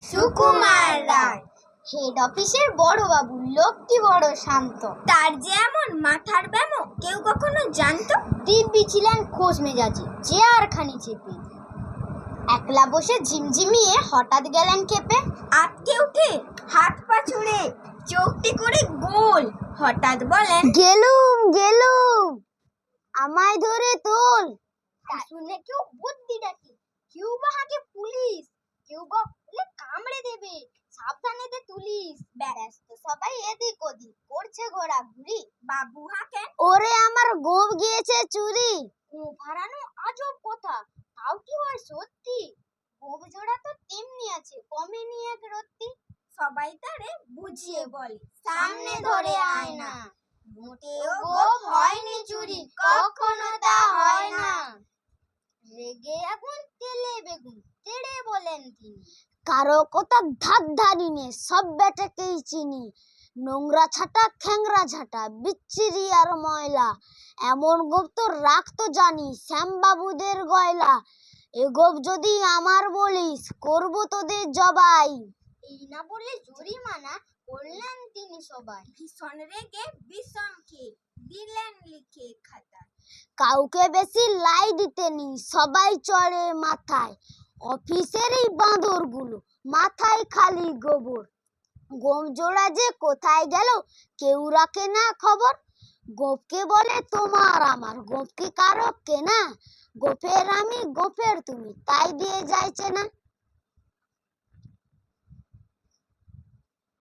সুকুমার রায়। Head অফিসের বড় বাবু, লোকটি বড় শান্ত। তার যে এমন মাথার ব্যামো কেউ কখনো জানতো? দিব্যি ছিলেন খোশ মেজাজি, চেয়ারখানি চেপে একলা বসে ঝিমঝিমিয়ে হঠাৎ গেলেন খেপে। আটকে উঠে হাত পা ছুড়ে চোখটি করে গোল, হঠাৎ বলেন, গেলুম আমায় ধরে তোল। তা শুনে কেউ বুদ্ধি ডাকি, কেউ বা হাঁকে পুলিশ, কেউ বা বলে কামড়ে দেবে, সাবধানে দে তুলিস। ব্যস্ত সবাই এদিক ওদিক করছে ঘোরাঘুরি। বাবু হাঁকেন, ওরে আমার গোপ গিয়েছে চুরি। গোপ হারানো আজব কথা, তাও কি হয় সত্যি? গোপ জোড়া তো তেমনি আছে, কমেনি এক রত্তি। সবাই তারে বুঝিয়ে বলে, সামনে ধরে আয় না, মোটেও গোপ হয়নি চুরি, কখনো তা হয় না। রেগে আগুন তেলে বেগুন তেড়ে বলেন তিনি, কারো কথা ধার ধারি নে, সব বেটাকেই চিনি। নোংরা ছাটা খ্যাংরা ঝাঁটা, বিচ্ছিরি আর ময়লা, এমন গোপ তো রাখতো জানি শ্যামবাবুদের গয়লা। এ গোপ যদি আমার বলিস, করবো তোদের জবাই। এই না বলে জরিমানা করলেন তিনি সবাই। ভীষণ রেগে বিষম খেয়ে দিলেন লিখে খাতায়। কাউকে বেশি লাই দিতে নেই, সবাই চড়ে মাথায়। অফিসের এই বাঁদরগুলো, মাথায় খালি গোবর। গোপ জোড়া যে কোথায় গেল কেউ রাখে না খবর। গোপকে বলে তোমার আমার, গোপকে কারো কেনা। গোপের আমি গোপের তুমি, তাই দিয়ে যাইছে না।